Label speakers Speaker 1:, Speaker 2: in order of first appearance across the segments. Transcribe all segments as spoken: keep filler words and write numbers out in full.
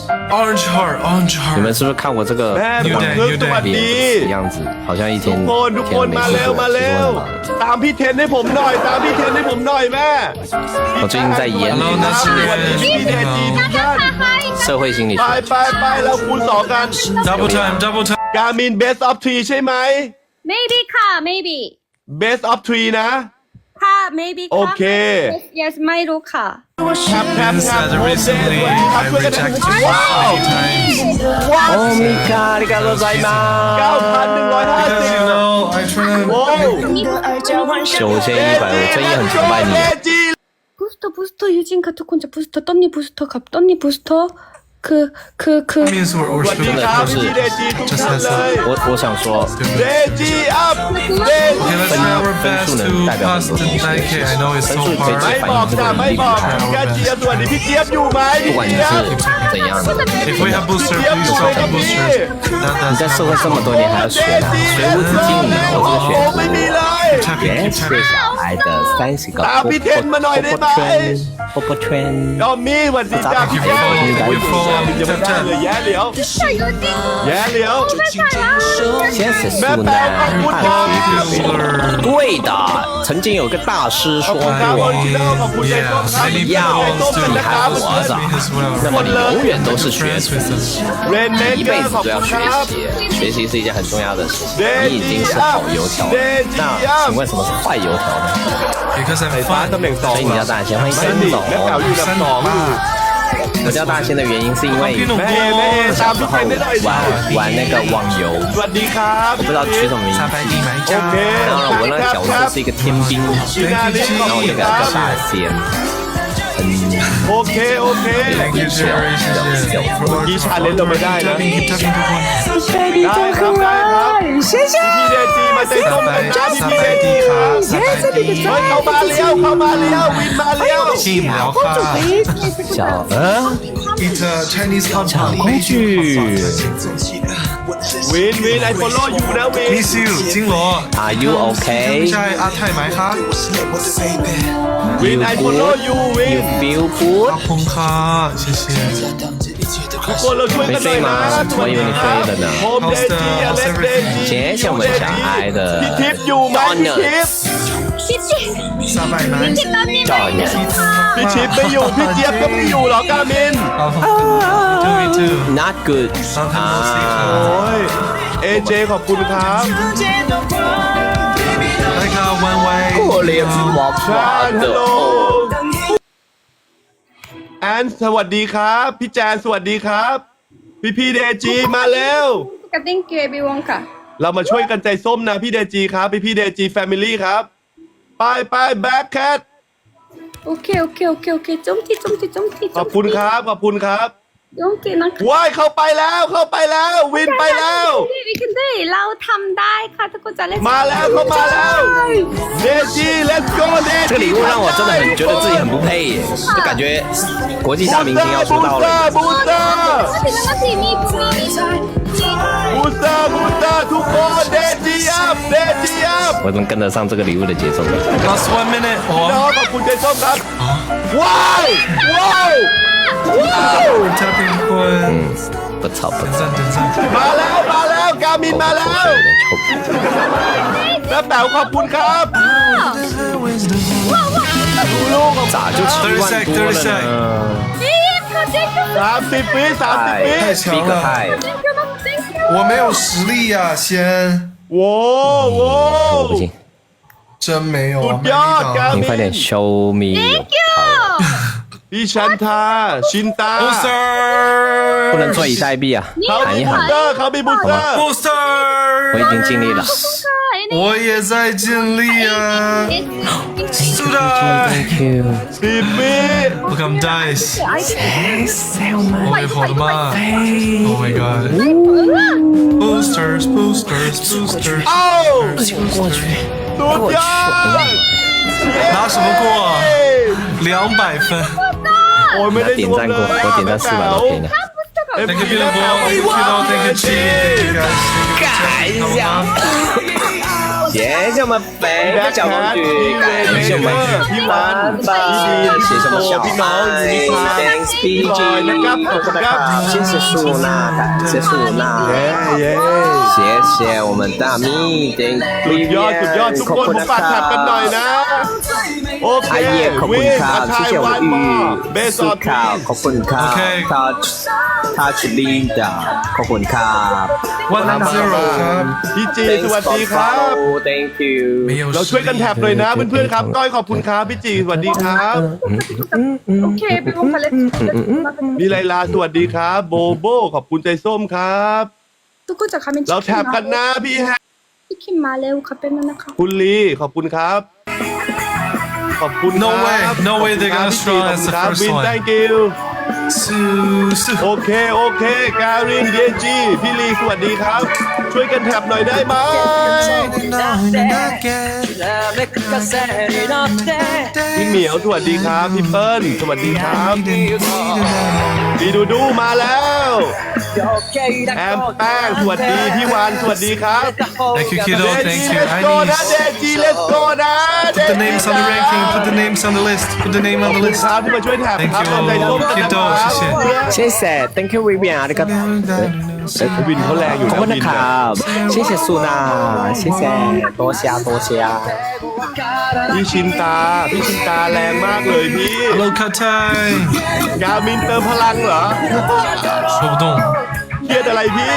Speaker 1: Orange Heart，Orange Heart。
Speaker 2: 你们是不是看过这个
Speaker 3: New Day New Day
Speaker 2: 脸样子，好像一天
Speaker 3: ทุกคนทุกคนมาเร็วมาเร็วตามพี่เทนให้ผมหน่อยตามพี่เทนให้ผมหน่อยแม่
Speaker 2: 我最近在演
Speaker 1: Hello，那是
Speaker 3: พี่เทนจีทุกท่าน
Speaker 2: 社会心理
Speaker 3: ไป
Speaker 2: 学。
Speaker 3: ไปไปเราคูณสองกัน
Speaker 1: Double time，Double time。
Speaker 3: การมิน best of three ใช่ไหม
Speaker 4: maybe ค่ะ maybe
Speaker 3: best of three นะ
Speaker 4: ค่ะ maybe ค่ะ
Speaker 3: โอเค
Speaker 4: yes yes ไม่รู้ค่ะ
Speaker 3: แทบแทบ
Speaker 1: Yes,
Speaker 3: แทบ
Speaker 1: uh, recently I rejected you many times
Speaker 3: ว้าว
Speaker 2: โอ้มิกาลิกาโรไซมา
Speaker 3: เก้าพันหนึ่งร้อยห้า
Speaker 1: because
Speaker 3: สิบ
Speaker 1: you know I try to
Speaker 3: โอ้
Speaker 2: 九千一百，我真也很崇拜你。
Speaker 4: 부스터 부스터 유진 가토 콘자 부스터 떤니 부스터 갑 떤니 부스터 그 그 그
Speaker 1: means we're
Speaker 3: สวัสดี
Speaker 1: worshiping
Speaker 3: ครับ
Speaker 2: 就是
Speaker 3: พี่เดจีทุกท่านเลย
Speaker 2: 我我想说，
Speaker 3: เดจีอัพเด
Speaker 1: Okay,
Speaker 3: จี
Speaker 1: let's try our best to pass the nine K. I know it's so
Speaker 3: ไม่
Speaker 1: hard.
Speaker 3: บอกจ้ะไม่บอกพี่กาเจี๊ยบสวัสดีพี่เจี๊ยบอยู่ไหม
Speaker 2: 不
Speaker 3: พี่
Speaker 2: 管你
Speaker 3: เจี๊ยบ
Speaker 2: 是怎样的，
Speaker 1: If we have booster, please drop the booster. That,
Speaker 2: 你在
Speaker 1: that's
Speaker 2: 社会这么多年还要学呢，学无止境，以后这个
Speaker 3: โอ้ไม่
Speaker 2: 学
Speaker 3: มีเลย
Speaker 1: tapping,
Speaker 2: 也
Speaker 1: keep
Speaker 2: 是
Speaker 1: tapping.
Speaker 2: 小孩的三十个
Speaker 3: ตามพี่เทนมาหน่อยได้ไหม
Speaker 2: 波波圈，
Speaker 3: ดอมมี่สวัสดีจ้าพี่
Speaker 1: You
Speaker 3: แก้ว
Speaker 1: follow, you follow,
Speaker 3: ยังไม่
Speaker 1: tap
Speaker 3: ได้
Speaker 1: tap.
Speaker 3: เลยแย่เหลียวแย่เหลียว
Speaker 2: 现实素
Speaker 3: แม่
Speaker 2: 呢
Speaker 3: แปลขอบคุณครับ
Speaker 1: Healer.
Speaker 2: 对的，曾经有个大师
Speaker 3: ขอบ
Speaker 2: 说
Speaker 3: คุณครับ
Speaker 2: 过，
Speaker 3: คนที่เล่าขอบคุณใจส้ม
Speaker 1: Yeah,
Speaker 3: ครับ
Speaker 1: many
Speaker 3: ใจ
Speaker 1: people
Speaker 3: ส้ม
Speaker 1: to
Speaker 3: กันนะครับ
Speaker 2: 还活着
Speaker 1: me as well.
Speaker 2: 那么你永远都是学
Speaker 1: Friends
Speaker 2: 生，
Speaker 1: with us.
Speaker 3: เรนเม
Speaker 2: 一
Speaker 3: เกอ
Speaker 2: 辈
Speaker 3: ร์
Speaker 2: 子
Speaker 3: ขอบ
Speaker 2: 都要
Speaker 3: คุณ
Speaker 2: 学
Speaker 3: ครับ
Speaker 2: 习，学习是一件很重要的事。你已经是好油条了，那请问什么是坏油条呢？
Speaker 1: Because I'm
Speaker 3: ฟ้า
Speaker 1: fun.
Speaker 3: ตำแหน่งสอง
Speaker 2: 所以你叫大仙，欢迎
Speaker 3: ไม่
Speaker 2: 仙
Speaker 3: ดิ
Speaker 2: 总。
Speaker 3: แม่แป๋วอยู่ลำสองอยู่
Speaker 2: 我叫大仙的原因是因为
Speaker 3: แม่แม่ตามพี่เทนได้หน่อยดิ
Speaker 2: 玩玩那个网游，
Speaker 3: สวัสดีครับ
Speaker 2: 我不知道取什么名
Speaker 1: 沙
Speaker 2: 字，
Speaker 1: 白地买
Speaker 3: โอเค
Speaker 1: 家。
Speaker 2: 然后我那个角色是一个天兵，
Speaker 3: พี่นาลิขอบ
Speaker 2: 然后我
Speaker 3: คุณ
Speaker 2: 就给
Speaker 3: ค
Speaker 2: 他
Speaker 3: รับ
Speaker 2: 叫大仙，很
Speaker 3: โอเคโอเค
Speaker 1: Thank you, Jerry. 谢谢。
Speaker 3: กีชาเลนเราไม่ได้นะ
Speaker 1: Tapping, keep tapping ทุกคน
Speaker 3: ได้ครับได้ครับพี่เดจีมาใจส้มกันจ้าพี่เดจีครับเฮ้ยเข้ามาเลี้ยวเข้ามาเลี้ยววินมาเลี้ยว
Speaker 1: Team 聊ค่ะ
Speaker 2: 小呃
Speaker 1: It's a Chinese
Speaker 2: 小工具，
Speaker 3: วินวินไอโฟโล่อยู่นะวิน
Speaker 1: Miss you 金罗
Speaker 2: Are you
Speaker 1: ใช่
Speaker 2: okay?
Speaker 1: อาไทยไหมคะ
Speaker 3: วินไอโฟโล่อยู่วิน
Speaker 2: You feel
Speaker 1: ข
Speaker 2: good?
Speaker 1: อบคุณค่ะ谢谢
Speaker 3: ทุกคนเราช่วย
Speaker 2: 没
Speaker 3: กันหน่อ
Speaker 2: 睡
Speaker 3: ยนะ
Speaker 2: 吗？我以为你睡了呢。
Speaker 3: โฮมเดจีอเล็กเดจี
Speaker 2: 谢谢我们小爱的
Speaker 3: พี่ทิพย์อยู่ไหมพี่ทิพย์
Speaker 1: 三百男
Speaker 2: 赵年。
Speaker 3: พี่ทิพย์ไม่อยู่พี่เจี๊ยบก็ไม่อยู่หรอกามิน
Speaker 1: 好好 two v two
Speaker 2: Not good
Speaker 1: 啊
Speaker 3: โอ้ยเอเจขอบคุณครับ
Speaker 1: 来个 one way
Speaker 2: 可怜娃
Speaker 3: ชา
Speaker 2: 娃
Speaker 3: น
Speaker 2: 的
Speaker 3: โล
Speaker 2: 哦。
Speaker 3: แอนสวัสดีครับพี่แจนสวัสดีครับ พี่พี่เดจีมาแล้ว
Speaker 4: thank you everyone ค่ะ
Speaker 3: เรามาช่วยกันใจส้มนะพี่เดจีครับพี่พี่เดจีแฟมิลี่ครับไปไปแบ็คแคท
Speaker 4: โอเคโอเคโอเคโอเคจมที่จมที่จมที่
Speaker 3: ขอบคุณครับขอบคุณครับ
Speaker 4: จมที่นะคะ
Speaker 3: ว้ายเข้าไปแล้วเข้าไปแล้ววินไปแล้ว
Speaker 4: วิกันได้เราทำได้ค่ะทุกคนจะเล่น
Speaker 3: มาแล้วเข้ามาแล้วเดจี let's go เดจี
Speaker 2: 这个礼物让我真的很觉得自己很不配耶，就感觉国际大明星要出道了。
Speaker 3: บูสเตอร์
Speaker 4: ถึงแล้วสิมีมีมี
Speaker 3: บูสเตอร์บูสเตอร์ทุกคนเดจีอัพเดจีอัพ
Speaker 2: 我怎么跟得上这个礼物的节奏？
Speaker 1: last one minute
Speaker 3: น้อ
Speaker 1: 哦
Speaker 3: งขอบคุณใจส้มครับว้าวว้าวว้าว
Speaker 1: tapping คน
Speaker 2: 不吵不
Speaker 1: 点
Speaker 2: 吵，
Speaker 1: 赞点赞
Speaker 3: มาแล้วมาแล้วกามินมาแล้ว
Speaker 2: 口水有点臭。
Speaker 3: แม่แป๋วขอบคุณครับลูกๆ
Speaker 2: 咋就七万多了呢？
Speaker 3: สามสิบวิสามสิบวิ
Speaker 1: 太强
Speaker 2: ，Big
Speaker 1: 了
Speaker 2: High，
Speaker 1: 我没有实力呀先
Speaker 3: โว้โว้
Speaker 2: 我不信，
Speaker 1: 真没有啊
Speaker 3: สุด
Speaker 1: 没
Speaker 3: ยอด
Speaker 1: 力
Speaker 3: กา
Speaker 1: 的
Speaker 3: มิ
Speaker 2: 你快点 show me your power，
Speaker 3: พี่ชันทาชินตา
Speaker 1: booster
Speaker 2: 不能坐以待毙啊，
Speaker 3: เขา
Speaker 2: 喊
Speaker 3: มี
Speaker 2: 一
Speaker 3: บูส
Speaker 2: 喊
Speaker 3: เตอ，ร์เขามีบูสเตอร์
Speaker 1: booster
Speaker 2: 我已经尽力了。
Speaker 1: 我也在尽力啊 s u d a
Speaker 2: Thank you。
Speaker 3: สิบวิ
Speaker 1: Look I'm dice 我也跑得慢 Oh my god Boosters Boosters Boosters
Speaker 3: เอ้า
Speaker 2: 不行，过去。
Speaker 3: สุดยอด
Speaker 1: 拿什么过两百分
Speaker 3: โอ้ยไม่ได้
Speaker 2: 点
Speaker 3: รวม
Speaker 2: 赞
Speaker 3: เล
Speaker 2: 过，
Speaker 3: ย
Speaker 2: 我点赞四百多 K 呢。
Speaker 1: Thank you beautiful Thank you Thank you G
Speaker 2: 改一下。 谢谢我们飞的小公举，感谢我们
Speaker 3: พี่วันพี่ดี
Speaker 2: 谢谢我们小
Speaker 3: พี่น้องอยู่นี่ครับ
Speaker 2: ，Thanks B
Speaker 3: พี่บอย
Speaker 2: G，
Speaker 3: นะครับขอบคุณครับ
Speaker 2: 谢谢素娜，感谢素娜，
Speaker 3: เย้เย้
Speaker 2: 谢谢我们大咪，Thank
Speaker 3: สุดยอดสุดยอดทุกคนผมฝากแท็บกันหน่อยนะโอเค
Speaker 2: 阿叶ขอบคุณครับ
Speaker 3: อา
Speaker 2: 谢
Speaker 3: ชาย
Speaker 2: 谢我
Speaker 3: วา
Speaker 2: 们
Speaker 3: นมอ
Speaker 2: 玉
Speaker 3: เบส
Speaker 2: 苏
Speaker 3: ออ
Speaker 2: 卡ขอบคุณครับ
Speaker 1: Okay
Speaker 2: 他他是 Linda ขอบคุณครับ
Speaker 1: one zero ครับ
Speaker 3: พี่จีสวัสดีครับ
Speaker 2: Thank you
Speaker 1: 没有
Speaker 3: เราช่วยกันแท็บหน่อยนะเพื่อนๆครับก้อยขอบคุณครับพี่จีสวัสดีครับ
Speaker 4: 오케이 배고파 렛츠
Speaker 3: มีไลลาสวัสดีครับโบโบขอบคุณใจส้มครับ
Speaker 4: 뚜꾸자 가면
Speaker 3: เราแท็บ
Speaker 4: 치킨
Speaker 3: กัน
Speaker 4: 말레오
Speaker 3: นะพี่แฮ
Speaker 4: 치킨 말레오 가빼면나카
Speaker 3: คุณลีขอบคุณครับ ขอบคุณ
Speaker 1: No
Speaker 3: ครับ
Speaker 1: way no way they got as strong as the
Speaker 3: ขอบ
Speaker 1: first
Speaker 3: คุณครับวิน
Speaker 1: one
Speaker 3: thank you
Speaker 1: สู้สู้
Speaker 3: โอเค โอเค การินเยจีพี่ลีสวัสดีครับ ช่วยกันแท็บหน่อยได้ไหมพี่เหมียวสวัสดีครับ พี่เปิ้ลสวัสดีครับพี่ดูดูมาแล้วแอมแป้งสวัสดีพี่วานสวัสดีครับ
Speaker 1: Thank you kiddo
Speaker 3: เด
Speaker 1: thank
Speaker 3: จี
Speaker 1: you
Speaker 3: let's
Speaker 1: I
Speaker 3: go นะ
Speaker 1: need
Speaker 3: เดจี let's go นะ
Speaker 1: put the names on the ranking put the names on the list put the name on the
Speaker 3: ขอบคุณ
Speaker 1: list
Speaker 3: ครับที่มาช่วยแท็บ
Speaker 1: Thank
Speaker 3: ครับ
Speaker 1: you
Speaker 3: เอาใจส้มกันนะค
Speaker 1: Kiddo
Speaker 3: รับ
Speaker 1: 谢谢
Speaker 2: 谢谢 Thank you Vivian ありがとう
Speaker 3: วินเขาแรงอยู่
Speaker 2: ขอบ
Speaker 3: นะ
Speaker 2: คุณ
Speaker 3: วิ
Speaker 2: นะ
Speaker 3: น
Speaker 2: ค
Speaker 3: เนี่ย
Speaker 2: รับ谢谢素娜谢谢多谢多谢
Speaker 3: พี่ชินตา พี่ชินตาแรงมากเลยพี่
Speaker 1: Hello 卡泰
Speaker 3: กามินเติมพลังเหรอ
Speaker 1: 说不动
Speaker 3: เครียดอะไรพี่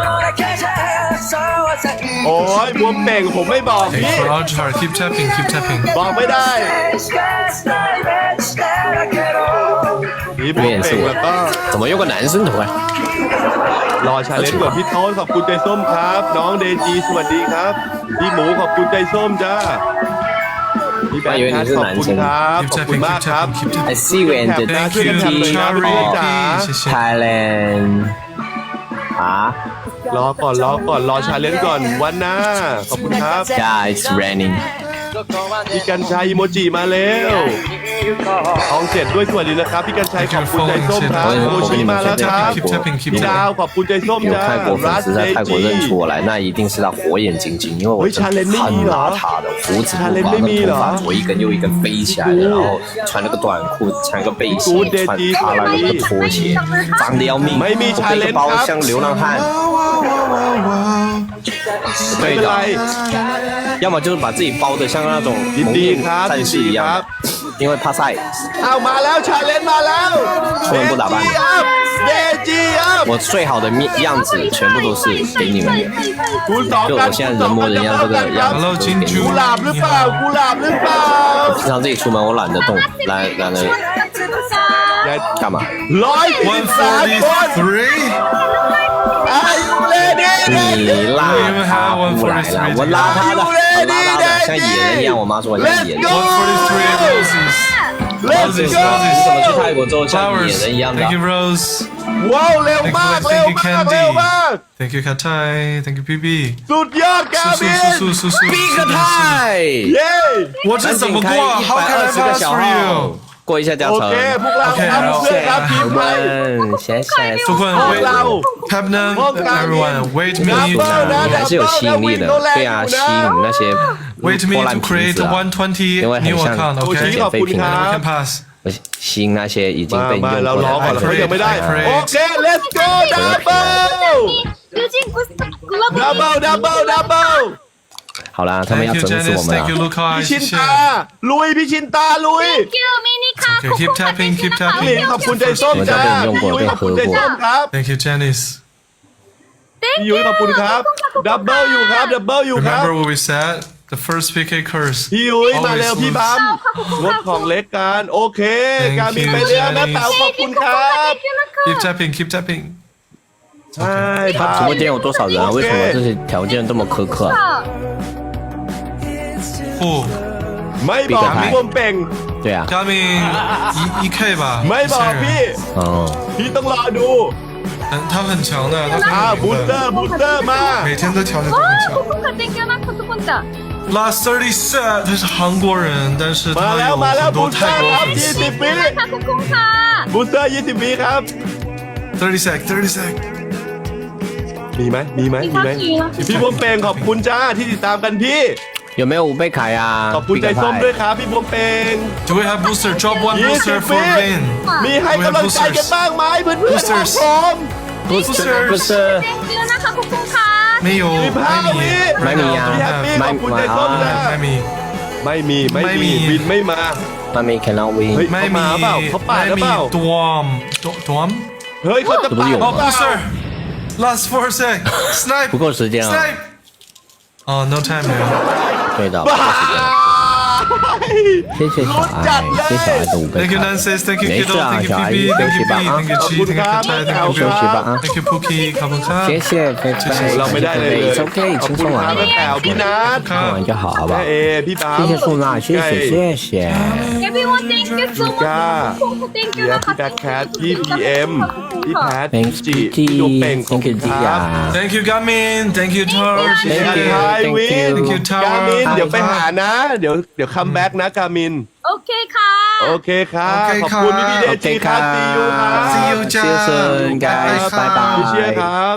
Speaker 3: โอ้ยบวมเป่งผมไม่บอก
Speaker 1: Thanks
Speaker 3: พี่
Speaker 1: for Ultra keep tapping keep tapping
Speaker 3: บอกไม่ได้นี่บวมเป่งแล้วก็
Speaker 2: 怎么有个男生头啊
Speaker 3: รอชาเลนจ์ก่อนพี่โต้นขอบคุณใจส้มครับ น้องเดจีสวัสดีครับ พี่หมูขอบคุณใจส้มจ้าพี่แบงค์ครับขอบคุณครับ
Speaker 1: keep
Speaker 3: ขอบคุณ
Speaker 1: tapping
Speaker 3: มาก
Speaker 1: keep
Speaker 3: ครับ
Speaker 1: tapping keep tapping
Speaker 2: I see you and the
Speaker 1: Thank
Speaker 3: ช่วยกันแท็บเลยนะพี่
Speaker 1: you
Speaker 3: จ๋า
Speaker 1: Cherry 谢谢
Speaker 2: Thailand 啊
Speaker 3: รอก่อนรอก่อนรอชาเลนจ์ก่อนวันหน้าขอบคุณครับ
Speaker 2: Yeah it's raining
Speaker 3: พี่กัญชัยอีโมจิมาแล้วทองเจ็ดด้วยสวัสดีนะครับ พี่กัญชัยขอบคุณใจส้มครับโมชิมาแล้วครับ
Speaker 1: keep tapping keep
Speaker 3: พี่ดาว
Speaker 1: tapping
Speaker 3: ขอบคุณใจส้ม
Speaker 2: 有
Speaker 3: จ้า
Speaker 2: 泰国粉
Speaker 3: รัส
Speaker 2: 丝
Speaker 3: เจ
Speaker 2: 在泰国
Speaker 3: จี
Speaker 2: 认出我来，那一定是他火眼金睛，因为我真的很邋遢的，胡子不刮，那头发左一根右一根飞起来的，然后穿那个短裤，穿个背心，穿踏了那个拖鞋，脏的要命。我背个包像流浪汉。
Speaker 3: ไม่
Speaker 2: 对
Speaker 3: เป็นไร
Speaker 2: 的，要么就是把自己包的像那种
Speaker 3: ยิน
Speaker 2: 蒙
Speaker 3: ดี
Speaker 2: 面
Speaker 3: ครับ
Speaker 2: 战
Speaker 3: ยิน
Speaker 2: 士
Speaker 3: ดี
Speaker 2: 一
Speaker 3: ครั
Speaker 2: 样
Speaker 3: บ
Speaker 2: 的，因为怕晒。
Speaker 3: เอามาแล้วชาเลนจ์มาแล้ว
Speaker 2: 出门不打扮
Speaker 3: เดจีอัพ
Speaker 2: 我最好的面样子全部都是给你们的，
Speaker 3: คูณสอง
Speaker 2: 就
Speaker 3: กัน
Speaker 2: 我现在人模人样这个样
Speaker 1: Hello
Speaker 2: 子都给你
Speaker 1: 金
Speaker 3: กุ
Speaker 2: 们。
Speaker 3: หลาบหรือเปล่ากุหลาบหรือเปล่า
Speaker 2: 平常自己出门我懒得动，懒懒得干嘛？
Speaker 3: ร้อยสี่สิบสามคน
Speaker 1: three
Speaker 3: ไอ้เลดี้
Speaker 2: 你邋遢不来了，我邋遢的，我邋遢的像野人一样。我妈说我像野人。
Speaker 1: one forty-three roses
Speaker 3: Let's
Speaker 1: roses
Speaker 3: go
Speaker 2: 你怎么去
Speaker 1: roses
Speaker 2: 泰国之后像野
Speaker 1: flowers
Speaker 2: 人一样的
Speaker 1: thank？you Rose
Speaker 3: ว้าวเร็วมากเร็วมากเร็วมาก
Speaker 1: thank you 卡泰 thank you B B
Speaker 3: สุดยอดกา
Speaker 1: 速
Speaker 3: บิ
Speaker 1: 速
Speaker 3: น
Speaker 1: 速速速
Speaker 2: Big
Speaker 1: 速
Speaker 2: Thai，
Speaker 3: เย้
Speaker 1: 我这怎么过
Speaker 2: 赶紧开
Speaker 1: How
Speaker 2: 一百
Speaker 1: can
Speaker 2: 二
Speaker 1: I
Speaker 2: 十个
Speaker 1: pass
Speaker 2: 小
Speaker 1: for
Speaker 2: 号
Speaker 1: you，
Speaker 2: 过一下加
Speaker 3: โอ
Speaker 2: 成
Speaker 3: เค。พวกเรา
Speaker 1: Okay，
Speaker 3: ทำเพื่อครับทีมไทย
Speaker 2: 问，谢谢。
Speaker 1: ทุกคน wait Pepnan everyone wait me
Speaker 2: 你还是有吸引力的，对啊，吸引那些
Speaker 1: wait me
Speaker 2: 破
Speaker 1: to
Speaker 2: 烂瓶
Speaker 1: create
Speaker 2: 子啊，
Speaker 1: one twenty
Speaker 2: 因为
Speaker 1: new
Speaker 2: 很像
Speaker 1: account
Speaker 3: โอชิ
Speaker 1: okay
Speaker 3: ขอบคุณค
Speaker 1: and
Speaker 3: รั
Speaker 1: then we
Speaker 3: บ
Speaker 1: can pass
Speaker 2: 我吸引那些已经
Speaker 3: มา
Speaker 2: 被
Speaker 3: มา
Speaker 2: 用
Speaker 3: เรา
Speaker 2: 过
Speaker 3: ร้องก่อน
Speaker 2: 的
Speaker 3: เขายังไม่ได้
Speaker 1: I pray
Speaker 3: โอเค let's go double
Speaker 4: 유진 부스터 글러브
Speaker 3: double double double
Speaker 2: 好啦，他们
Speaker 1: thank
Speaker 2: 要
Speaker 1: you
Speaker 2: 整死我
Speaker 1: Janice
Speaker 2: 们
Speaker 1: thank you
Speaker 2: 了。
Speaker 1: Luca
Speaker 3: พี่ชิน
Speaker 1: 谢谢
Speaker 3: ตาลุยพี่ชินตาลุย
Speaker 4: 땡큐 미니카
Speaker 1: Okay, keep tapping, keep
Speaker 3: พี่
Speaker 1: tapping.
Speaker 3: หลินขอบคุณใจส้มจ้าพี่ยุ้ยขอบคุณใจส้มครับ
Speaker 1: thank you Janice
Speaker 3: พี่ยุ้ยขอบคุณครับ double อยู่ครับ double อยู่ครับ
Speaker 1: remember what we said the first P K curse
Speaker 3: พี่ยุ้ยมาเร็ว
Speaker 1: Always
Speaker 3: พี่บัมงดของเล็กกันโอเค
Speaker 1: Thank
Speaker 3: การบิน
Speaker 1: you,
Speaker 3: ไปเรียแม่
Speaker 1: Janice
Speaker 3: เต๋าขอบคุณครับ
Speaker 1: keep tapping keep tapping
Speaker 3: ใช่ครับ
Speaker 2: 直播间有多少人啊？为什么这些条件这么苛刻啊？
Speaker 1: 不
Speaker 3: ไม่บอกพี่บวมเป่ง
Speaker 2: 对啊，
Speaker 1: Gamin 一一 K 吧
Speaker 3: ไม่บอกพี่
Speaker 2: 嗯，
Speaker 3: พี่ต้องรอดู
Speaker 1: 很他很强的他
Speaker 3: อ่า
Speaker 1: 很
Speaker 3: บู
Speaker 1: 牛
Speaker 3: สเตอ
Speaker 1: 的
Speaker 3: ร์บูสเตอร์มา
Speaker 1: 每天都调整得很强
Speaker 4: 코코카 땡큐 나카 두콘자
Speaker 1: last thirty set 他是韩国人但是
Speaker 3: มา
Speaker 1: 他
Speaker 3: แล้ว
Speaker 1: 有
Speaker 3: มาแล้ว
Speaker 1: 很
Speaker 3: บู
Speaker 1: 多
Speaker 3: สเตอ
Speaker 1: 泰
Speaker 3: ร์
Speaker 1: 国
Speaker 3: ครับ
Speaker 1: 粉
Speaker 3: ยี่
Speaker 1: 丝
Speaker 3: สิบวิ
Speaker 4: 나카 코코카
Speaker 3: บูสเตอร์ยี่สิบวิครับ
Speaker 1: thirty sec thirty sec
Speaker 3: มีไหมมีไหมมีไหมพี่บวมเปงขอบคุณจ้าที่ติดตามกันพี่
Speaker 2: 有没有五倍卡呀？
Speaker 3: ขอบคุณใจส้มด้วยครับพี่บวมเปง
Speaker 1: Do we have booster? Drop one
Speaker 3: ยี่สิ
Speaker 1: booster
Speaker 3: บ
Speaker 1: for
Speaker 3: วิ
Speaker 1: Vin.
Speaker 3: มีให้กำลังใจกันบ้างไหมเพื่อนเพื่อนครับ
Speaker 1: Boosters
Speaker 3: ผม
Speaker 2: booster booster
Speaker 4: 땡큐 나카 코쿤카
Speaker 1: 没有，
Speaker 3: สิบห้า
Speaker 1: ไม่มี
Speaker 3: วิ
Speaker 2: ไม่มีอ่ะ
Speaker 3: พี่แฮปปี้ขอบคุณใจส้มนะ
Speaker 1: ไม่มี
Speaker 3: ไม่มีไม่
Speaker 1: ไม่มี
Speaker 3: มีวินไม่มา
Speaker 2: 妈咪 cannot win
Speaker 3: เฮ้ย
Speaker 1: ไม่
Speaker 3: เขา
Speaker 1: มี
Speaker 3: มาเปล่าเขาปาดหรือเปล่า
Speaker 1: ดวมดวม
Speaker 3: เฮ้ยเขาจะปาด
Speaker 2: 有
Speaker 1: Oh booster last four sec snipe
Speaker 2: 不够时间啊
Speaker 1: snipe Oh no time 了
Speaker 2: 对的不够时间了谢谢小爱谢谢小爱的五倍
Speaker 1: Thank you
Speaker 2: 卡
Speaker 1: Nancy Thank you
Speaker 2: 没
Speaker 1: Kido
Speaker 2: 事啊
Speaker 1: Thank you
Speaker 2: 小爱
Speaker 1: P P
Speaker 2: 休
Speaker 1: Thank
Speaker 2: 息
Speaker 1: you
Speaker 2: 吧
Speaker 1: B
Speaker 2: 啊
Speaker 1: Thank you G Thank you Katai Thank you
Speaker 2: 休息吧啊
Speaker 1: Thank you Pookie ขอบคุณครับ
Speaker 2: 谢谢菲菲
Speaker 3: เราไม่ได้เลยเลย
Speaker 2: It's OK
Speaker 3: ขอบ
Speaker 2: 轻
Speaker 3: คุณ
Speaker 2: 松
Speaker 3: ครับ
Speaker 2: 玩
Speaker 3: แม่แป๋วพี่นัท
Speaker 2: 看完就好好不
Speaker 3: แม่
Speaker 2: 好
Speaker 3: เอพี่บาส
Speaker 2: 谢谢素娜谢谢谢谢
Speaker 4: Everyone thank you so much
Speaker 3: จ้า
Speaker 4: Thank
Speaker 3: เดี
Speaker 4: you
Speaker 3: ย
Speaker 4: 나카
Speaker 3: พี่แบ็คแคทพี่พีเอ็มพี่แพท
Speaker 2: Thank
Speaker 3: จี
Speaker 2: you
Speaker 3: พี่ดูเป่งขอบ
Speaker 2: Thank
Speaker 3: คุ
Speaker 2: you
Speaker 3: ณครับ
Speaker 2: Dia
Speaker 1: Thank you Gamin Thank you Torch
Speaker 2: Thank
Speaker 3: พี่
Speaker 2: you
Speaker 3: ไทยวิน
Speaker 1: Thank you Tower
Speaker 3: กามินเดี๋ยวไปหานะ เดี๋ยวเดี๋ยวคัมแบ็กนะกามิน
Speaker 4: 오케이 카
Speaker 3: โอเคครับ
Speaker 1: โอเค
Speaker 3: ขอบคุณ
Speaker 1: ครับ
Speaker 3: พี่พี่เดจีครับซีอูครับ
Speaker 1: See you จ้า
Speaker 2: See you soon guys
Speaker 1: บ๊ายบาย
Speaker 3: พี่เชียร์
Speaker 2: bye
Speaker 3: ค
Speaker 2: bye
Speaker 3: รับ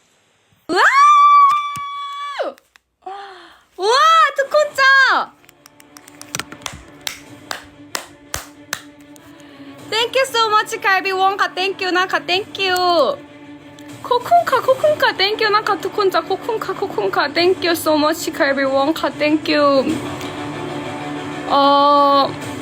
Speaker 4: 와 두콘짱 Thank you so much 갈비 원카 Thank you 나카 Thank you 코쿤카 코쿤카 Thank you 나카 두콘짱 코쿤카 코쿤카 Thank you so much 갈비 원카 Thank you 어